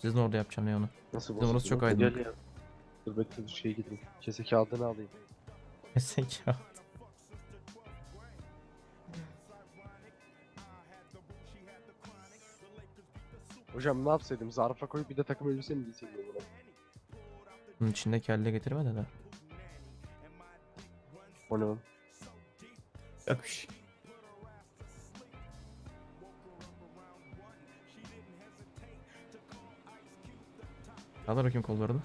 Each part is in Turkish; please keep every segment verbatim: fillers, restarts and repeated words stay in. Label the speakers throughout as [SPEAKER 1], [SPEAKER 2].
[SPEAKER 1] Sizin orada yapacağım ya onu.
[SPEAKER 2] Nasıl
[SPEAKER 1] Bizim orası çok
[SPEAKER 2] bozuldu?
[SPEAKER 1] aydınlık.
[SPEAKER 2] Gel ya. Dur bekle dur şeye gideyim. Kese kağıdını alayım.
[SPEAKER 1] Kesek ya.
[SPEAKER 2] Hocam ne yapsaydım? Zarfa koyup bir de takım elbise mi giyseydim buna?
[SPEAKER 1] Bunun içinde kelle getirme de de.
[SPEAKER 2] O ne oğlum?
[SPEAKER 1] Yok bir şey. Kaldır bakayım kollarını.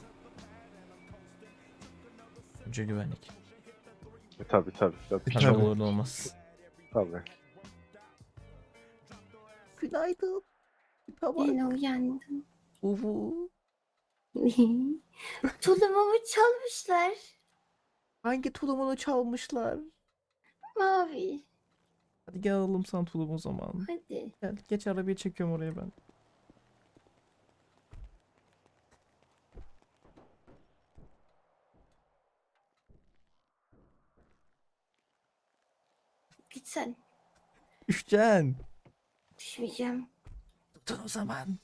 [SPEAKER 1] Önce güvenlik.
[SPEAKER 2] E tabi tabi tabi.
[SPEAKER 1] Tabii olur da olmaz.
[SPEAKER 2] Tabi.
[SPEAKER 1] Günaydın.
[SPEAKER 3] Yine uyandım.
[SPEAKER 1] Uvu.
[SPEAKER 3] Tulumumu çalmışlar.
[SPEAKER 1] Hangi tulumunu çalmışlar?
[SPEAKER 3] Mavi.
[SPEAKER 1] Hadi gel alalım sana tulum o zaman.
[SPEAKER 3] Hadi.
[SPEAKER 1] Gel geç arabayı çekiyorum oraya ben.
[SPEAKER 3] Git sen.
[SPEAKER 1] Üşcan.
[SPEAKER 3] Düşmeyeceğim.
[SPEAKER 1] Tutun o zaman.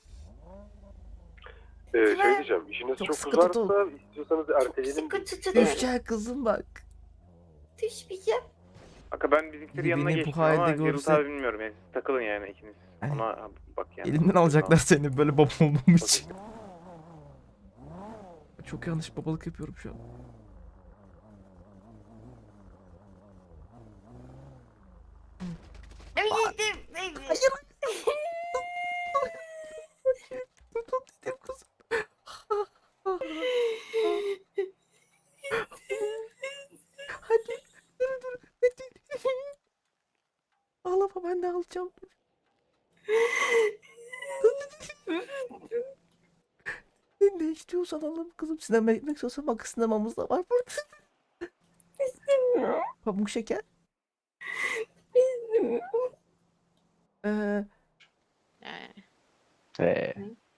[SPEAKER 2] Ee,
[SPEAKER 3] Tamam.
[SPEAKER 2] şey diyeceğim. İşiniz
[SPEAKER 1] Çok
[SPEAKER 2] çok,
[SPEAKER 1] sıkı
[SPEAKER 2] uzarsa
[SPEAKER 1] tutun.
[SPEAKER 2] istiyorsanız erteleyelim.
[SPEAKER 3] Sıkı tutuyorum.
[SPEAKER 1] Üşcan kızım bak.
[SPEAKER 3] Düşmeyeceğim.
[SPEAKER 4] Aka ben bizimkilerin yanına
[SPEAKER 1] Beni bu
[SPEAKER 4] geçtim
[SPEAKER 1] halde
[SPEAKER 4] ama Geralt
[SPEAKER 1] görse-
[SPEAKER 4] abi bilmiyorum yani siz takılın yani ikiniz.
[SPEAKER 1] Ay.
[SPEAKER 4] Ona bak yani.
[SPEAKER 1] Elinden alacaklar seni böyle baba olduğum için. Çok yanlış babalık yapıyorum şu an.
[SPEAKER 3] Hayır.
[SPEAKER 1] Tutun dedim kızım. Hadi. Dur dur. Hadi. Ağlama ben de alacağım. Ne, ne istiyorsan alalım kızım. Sinema gitmek istiyorsan bak sinemamız da var burada.
[SPEAKER 3] İstemiyorum.
[SPEAKER 1] Pamuk şeker.
[SPEAKER 3] İstemiyorum.
[SPEAKER 1] Ee,
[SPEAKER 2] Ee.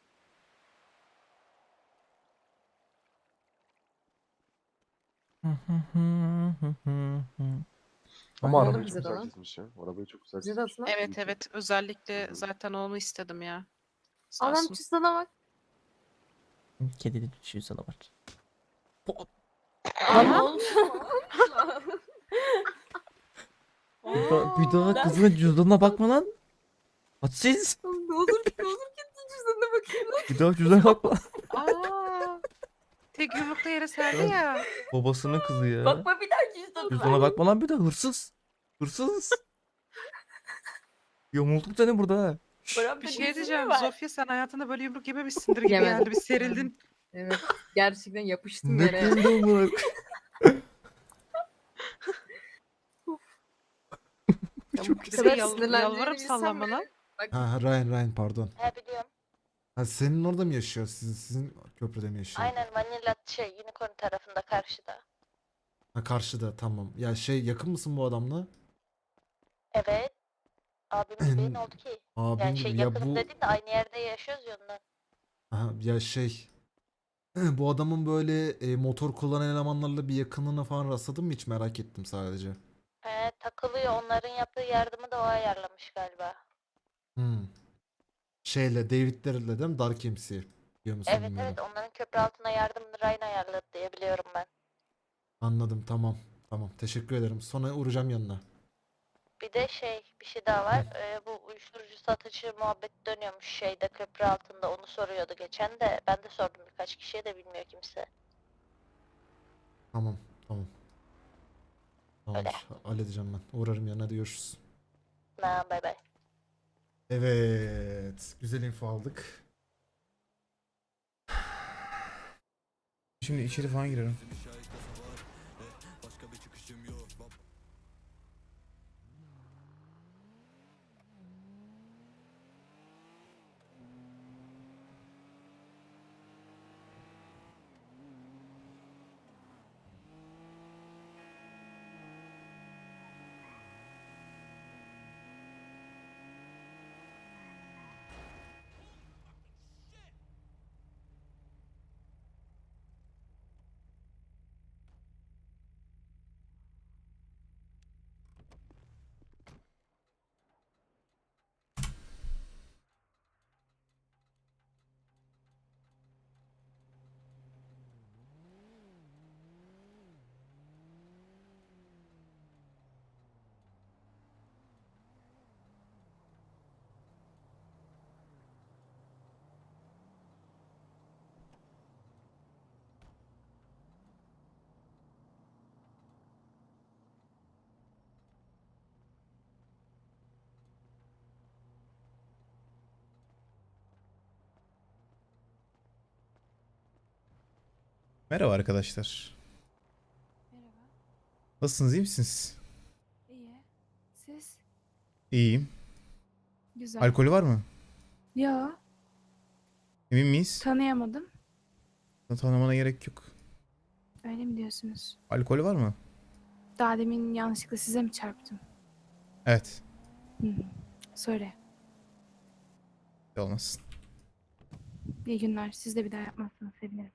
[SPEAKER 2] Ama
[SPEAKER 1] Ay,
[SPEAKER 2] arabayı
[SPEAKER 5] bize
[SPEAKER 2] çok
[SPEAKER 5] de
[SPEAKER 2] güzel
[SPEAKER 5] lan.
[SPEAKER 2] çizmiş ya. Arabayı çok güzel
[SPEAKER 5] Bize de
[SPEAKER 2] çizmiş.
[SPEAKER 5] atsana.
[SPEAKER 6] Evet evet özellikle
[SPEAKER 2] Hı hı.
[SPEAKER 6] zaten onu istedim ya. Sağ
[SPEAKER 5] Anam
[SPEAKER 6] olsun.
[SPEAKER 5] çizsana bak.
[SPEAKER 1] Kedili düşüyor sana var.
[SPEAKER 5] Anam.
[SPEAKER 1] Bir daha, bir daha kızın cüzdanına bakma lan. Hadsiz.
[SPEAKER 5] Ne olur ne olur git cüzdanına bakayım lan.
[SPEAKER 1] Bir daha cüzdanına bakma.
[SPEAKER 6] Aa, tek yumrukta yere serdi ya.
[SPEAKER 1] Babasının kızı ya.
[SPEAKER 3] Bakma bir daha cüzdanıma.
[SPEAKER 1] Cüzdana bakma lan bir daha hırsız. Hırsız. Yamulduk seni burada ha.
[SPEAKER 3] Buramda
[SPEAKER 6] Bir şey
[SPEAKER 3] cüzdanı
[SPEAKER 6] diyeceğim.
[SPEAKER 3] var.
[SPEAKER 6] Zofia sen hayatında böyle yumruk yememişsindir gibi
[SPEAKER 5] Yemedim.
[SPEAKER 6] geldi. Bir serildin.
[SPEAKER 5] Evet. Gerçekten yapıştım
[SPEAKER 1] Ne
[SPEAKER 5] yere.
[SPEAKER 1] kıldı amına. Çok
[SPEAKER 5] Bu
[SPEAKER 1] güzel.
[SPEAKER 5] kadar
[SPEAKER 6] Yal,
[SPEAKER 5] sinirlendiğini
[SPEAKER 6] yalvarıp
[SPEAKER 5] bilsem
[SPEAKER 6] sallama
[SPEAKER 5] bile-
[SPEAKER 6] lan.
[SPEAKER 5] Bak
[SPEAKER 7] Ha Ryan Ryan pardon.
[SPEAKER 8] He biliyorum.
[SPEAKER 7] Ha senin orada mı yaşıyor? Sizin sizin köprüde mi yaşıyor?
[SPEAKER 8] Aynen Manila şey Unicorn tarafında karşıda.
[SPEAKER 7] Ha karşıda tamam. Ya şey yakın mısın bu adamla?
[SPEAKER 8] Evet. Abim gibi ne oldu ki?
[SPEAKER 7] Abin
[SPEAKER 8] Yani şey
[SPEAKER 7] gibi. Ya
[SPEAKER 8] yakınım
[SPEAKER 7] bu
[SPEAKER 8] dediğim de aynı yerde yaşıyoruz ya ondan.
[SPEAKER 7] Aha, ya şey bu adamın böyle e, motor kullanan elemanlarla bir yakınlığına falan rastladın mı hiç merak ettim sadece.
[SPEAKER 8] He takılıyor. Onların yaptığı yardımı da o ayarlamış galiba.
[SPEAKER 7] Hmm. Şeyle David'lerle değil mi? Dark M C. Biliyor musun
[SPEAKER 8] Evet
[SPEAKER 7] bilmiyorum.
[SPEAKER 8] evet onların köprü altına yardımını Ryan ayarladı diye biliyorum ben.
[SPEAKER 7] Anladım tamam. Tamam teşekkür ederim. Sonra uğrayacağım yanına.
[SPEAKER 8] Bir de şey bir şey daha var. Ee, bu uyuşturucu satıcı muhabbet dönüyormuş şeyde köprü altında onu soruyordu geçen de. Ben de sordum birkaç kişiye de bilmiyor kimse.
[SPEAKER 7] Tamam tamam.
[SPEAKER 8] Öyle.
[SPEAKER 7] Tamamdır. Halledeceğim ben. Uğrarım yanına hadi görüşürüz.
[SPEAKER 8] Na bay bay.
[SPEAKER 7] Evet. Güzel info aldık.
[SPEAKER 9] Şimdi içeri falan girelim. Merhaba arkadaşlar.
[SPEAKER 5] Merhaba.
[SPEAKER 9] Nasılsınız, iyi misiniz?
[SPEAKER 5] İyi. Siz?
[SPEAKER 9] İyiyim.
[SPEAKER 5] Güzel.
[SPEAKER 9] Alkolü var mı?
[SPEAKER 5] Yo,
[SPEAKER 9] Emin miyiz?
[SPEAKER 5] tanıyamadım.
[SPEAKER 9] Tanımana gerek yok.
[SPEAKER 5] Öyle mi diyorsunuz?
[SPEAKER 9] Alkolü var mı?
[SPEAKER 5] Daha demin yanlışlıkla size mi çarptım?
[SPEAKER 9] Evet.
[SPEAKER 5] Hı hı. Söyle.
[SPEAKER 9] Olmasın.
[SPEAKER 5] İyi günler. Siz de bir daha yapmazsanız sevinirim.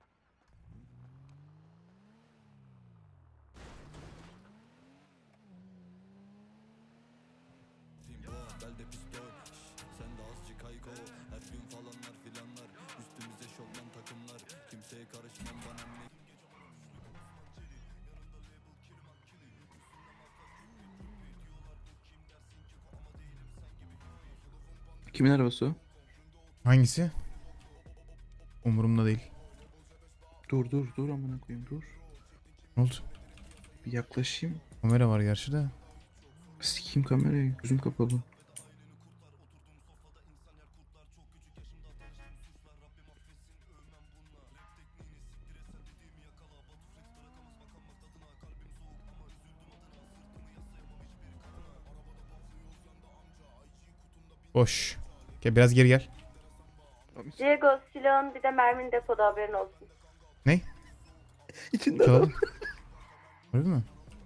[SPEAKER 10] Kimin arabası o?
[SPEAKER 9] Hangisi? Umurumda değil.
[SPEAKER 10] Dur dur dur amına koyayım dur.
[SPEAKER 9] Ne oldu?
[SPEAKER 10] Bir yaklaşayım.
[SPEAKER 9] Kamera var gerçi de.
[SPEAKER 10] Sikeyim kamerayı. Gözüm kapalı.
[SPEAKER 9] Boş. Gel biraz geri gel.
[SPEAKER 3] Diego silahın bir de mermin depoda haberin olsun.
[SPEAKER 9] Ne?
[SPEAKER 10] İçinde
[SPEAKER 9] Çalalım. Öyle mi?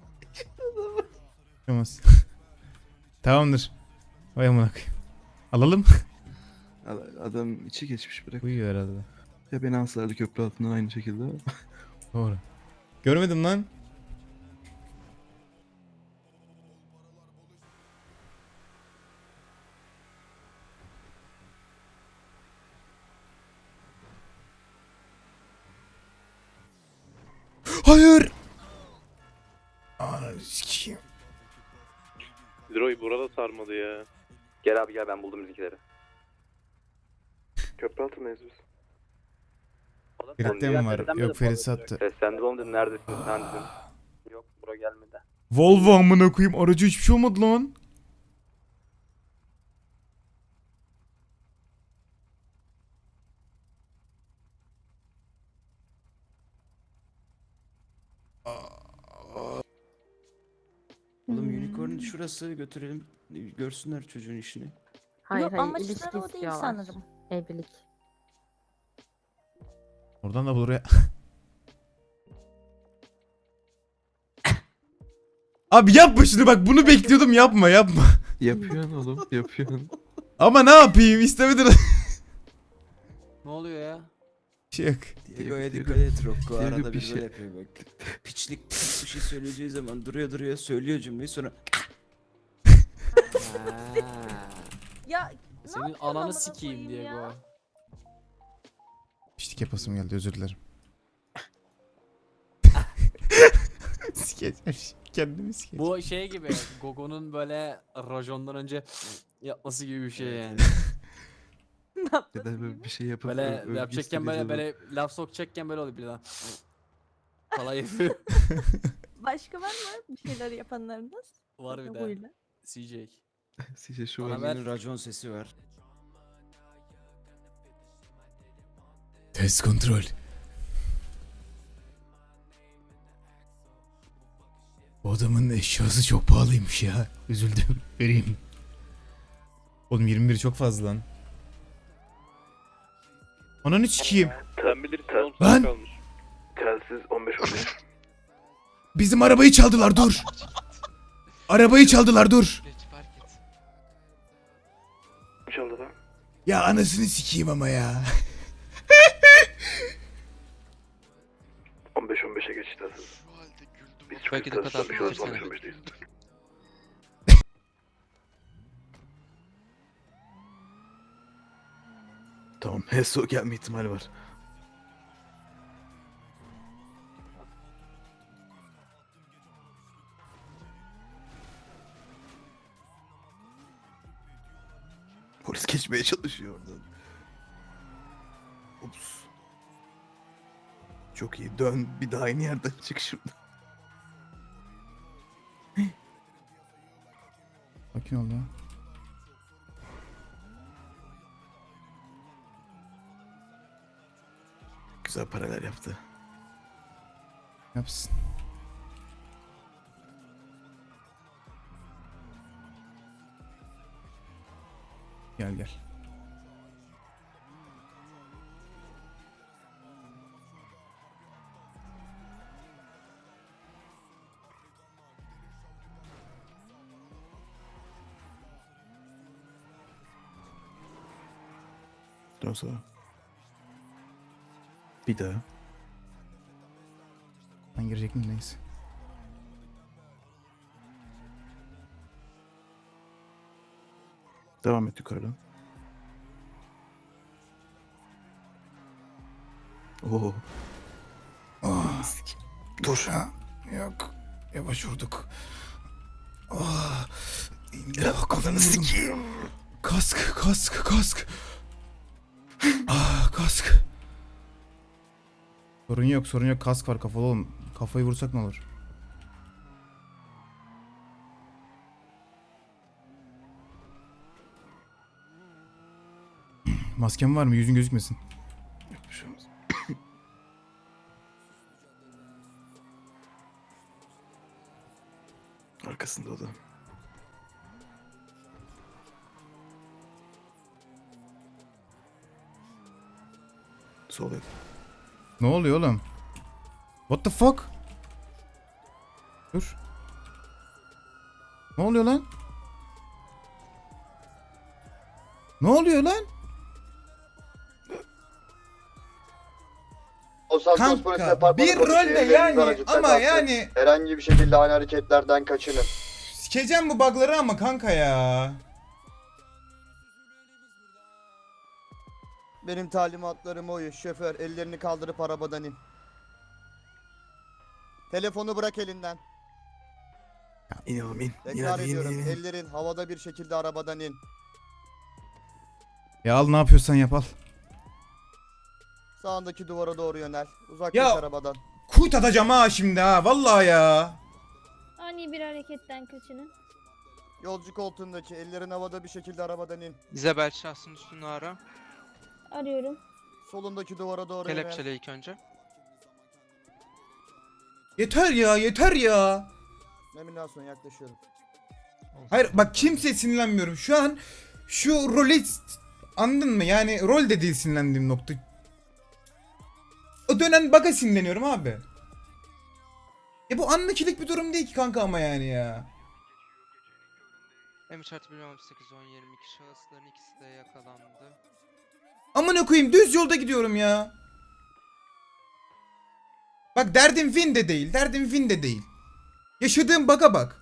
[SPEAKER 9] Olmaz. Tamamdır. Vay amına koyayım. Alalım.
[SPEAKER 10] adam, adam içi geçmiş bırak.
[SPEAKER 9] Uyuyor herhalde.
[SPEAKER 10] Ya beni alsalardı köprü altından aynı şekilde.
[SPEAKER 9] Doğru. Görmedim lan. Hayır. Ananı sikeyim.
[SPEAKER 4] Droy burada sarmadı ya.
[SPEAKER 2] Gel abi gel ben buldum bizimkileri.
[SPEAKER 4] Köprü altındayız biz.
[SPEAKER 9] Ferit'te mi var? Yok Ferit sattı.
[SPEAKER 2] Seslendim oğlum dedim neredesin sen dedim. Yok bura gelmedi.
[SPEAKER 9] Volvo amına koyayım. Aracı hiçbir şey olmadı lan.
[SPEAKER 10] Oğlum unicorn şurası götürelim. Görsünler çocuğun işini.
[SPEAKER 5] Hayır
[SPEAKER 8] Yok,
[SPEAKER 5] hayır.
[SPEAKER 8] amaçları
[SPEAKER 5] İlişki
[SPEAKER 8] o değil
[SPEAKER 5] istiyorlar.
[SPEAKER 8] sanırım.
[SPEAKER 5] Evlilik.
[SPEAKER 9] Oradan da buraya. Abi yapma şunu bak, bunu bekliyordum, yapma yapma.
[SPEAKER 10] Yapıyorsun oğlum yapıyorsun.
[SPEAKER 9] Ama ne yapayım, istemedin.
[SPEAKER 11] Ne oluyor ya?
[SPEAKER 9] Şey yok.
[SPEAKER 10] Diego'ya dikkat et Rocco.
[SPEAKER 11] Diego
[SPEAKER 10] Arada
[SPEAKER 11] bir
[SPEAKER 10] bir
[SPEAKER 11] şey-
[SPEAKER 10] şey yapıyor bak. Piçlik pis bir şey söyleyeceği zaman duruyor duruyor söylüyor cümleyi sonra
[SPEAKER 8] Ya
[SPEAKER 11] Senin
[SPEAKER 8] yapıyorsun
[SPEAKER 11] ananı
[SPEAKER 8] amına
[SPEAKER 11] sikeyim
[SPEAKER 8] koyayım
[SPEAKER 11] Diego.
[SPEAKER 8] ya?
[SPEAKER 9] Piştik yapasım geldi, özür dilerim. Sikeceğim kendimi sikeceğim.
[SPEAKER 11] Bu şey gibi Gogo'nun böyle rajondan önce yapması gibi bir şey yani.
[SPEAKER 10] ya da böyle bir şey yapıp
[SPEAKER 11] Böyle
[SPEAKER 10] ö- övgü
[SPEAKER 11] yapacakken böyle
[SPEAKER 10] istediği
[SPEAKER 11] böyle laf sokacakken böyle oluyor birden. Falan yapıyor.
[SPEAKER 8] Başka var mı bir şeyler yapanlarınız?
[SPEAKER 11] Var bir de.
[SPEAKER 8] Gogo'yla.
[SPEAKER 11] C J.
[SPEAKER 10] zaman. Size şu
[SPEAKER 11] Bana
[SPEAKER 10] var.
[SPEAKER 11] ver.
[SPEAKER 10] Racon sesi var.
[SPEAKER 9] Test kontrol. Bu adamın eşyası çok pahalıymış ya. Üzüldüm. Vereyim. Oğlum yirmi bir çok fazla lan. Ananı sikeyim.
[SPEAKER 4] Sen bilirsin.
[SPEAKER 9] Lan!
[SPEAKER 4] Kalmış. Telsiz on beş on beş.
[SPEAKER 9] Bizim arabayı çaldılar, dur. Arabayı çaldılar, dur.
[SPEAKER 4] Çaldı lan.
[SPEAKER 9] Ya anasını sikeyim ama ya.
[SPEAKER 4] on beş on beşe geç telsiz. Biz çok
[SPEAKER 11] Belki de
[SPEAKER 4] telsiz
[SPEAKER 11] kadar
[SPEAKER 4] konuşuyoruz,
[SPEAKER 11] bitirsene.
[SPEAKER 4] on beş on beşteyiz.
[SPEAKER 10] Tamam Heso gelme ihtimali var. Polis geçmeye çalışıyor oradan. Ups. Çok iyi. Dön bir daha aynı yerden çık şuradan.
[SPEAKER 9] Sakin ol ya.
[SPEAKER 10] Güzel paralar yaptı.
[SPEAKER 9] Yapsın. Gel gel.
[SPEAKER 4] Dön sağa. Bir daha.
[SPEAKER 9] Ben girecek miyim neyse.
[SPEAKER 4] Devam et yukarıdan. Oo.
[SPEAKER 9] Oh. Dur. Ha, yok. Yavaş vurduk. Oh. Oh, kafanı sikeyim. Kask, kask, kask. Ah, kask. Sorun yok, sorun yok. Kask var kafalı oğlum. Kafayı vursak ne olur? Masken var mı? Yüzün gözükmesin.
[SPEAKER 4] Yok bir şey olmaz. Arkasında o da. Sol et.
[SPEAKER 9] Ne oluyor oğlum? What the fuck? Dur. Ne oluyor lan? Ne oluyor lan?
[SPEAKER 12] Kanka bir rolde yani ama yani
[SPEAKER 2] Herhangi bir şekilde aynı hareketlerden kaçının.
[SPEAKER 12] sikeceğim bu bug'ları ama kanka ya.
[SPEAKER 2] Benim talimatlarım oyu. Şoför ellerini kaldırıp arabadan in. Telefonu bırak elinden.
[SPEAKER 4] İn oğlum in. İn
[SPEAKER 2] Tekrar
[SPEAKER 4] hadi in,
[SPEAKER 2] ediyorum.
[SPEAKER 4] in, in.
[SPEAKER 2] Ellerin havada bir şekilde arabadan in.
[SPEAKER 9] Ya al ne yapıyorsan yap al.
[SPEAKER 2] Sağındaki duvara doğru yönel. Uzaklaş
[SPEAKER 12] Ya-
[SPEAKER 2] arabadan.
[SPEAKER 12] Kuyt atacağım ha şimdi ha vallahi ya.
[SPEAKER 3] Ani bir hareketten kaçının.
[SPEAKER 2] Yolcu koltuğundaki ellerin havada bir şekilde arabadan in.
[SPEAKER 11] İzabel şahsın üstünü ara.
[SPEAKER 3] Arıyorum.
[SPEAKER 2] Solundaki duvara doğru yönel.
[SPEAKER 11] Kelepçele ilk önce.
[SPEAKER 12] Yeter ya yeter ya.
[SPEAKER 2] Nominasyon yaklaşıyorum.
[SPEAKER 12] Hayır bak kimseye sinirlenmiyorum. Şu an şu rolü anladın mı? Yani rol de değil sinirlendiğim nokta. O dönen baga sinirleniyorum abi. Ya bu anlıkilik bir durum değil ki kanka ama yani ya.
[SPEAKER 11] M üç artı bir on sekiz on yirmi iki şahısların ikisi de yakalandı.
[SPEAKER 12] Amına koyayım düz yolda gidiyorum ya. Bak derdim win de değil. Derdim win de değil. Yaşadığım baga bak.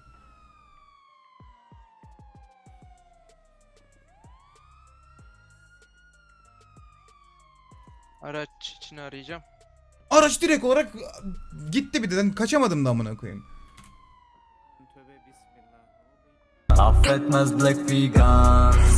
[SPEAKER 11] Araç için arayacağım.
[SPEAKER 12] Araç direkt olarak gitti bir de. Ben kaçamadım da amına koyayım.
[SPEAKER 11] Tövbe bismillah.
[SPEAKER 10] Affetmez Black Vegan.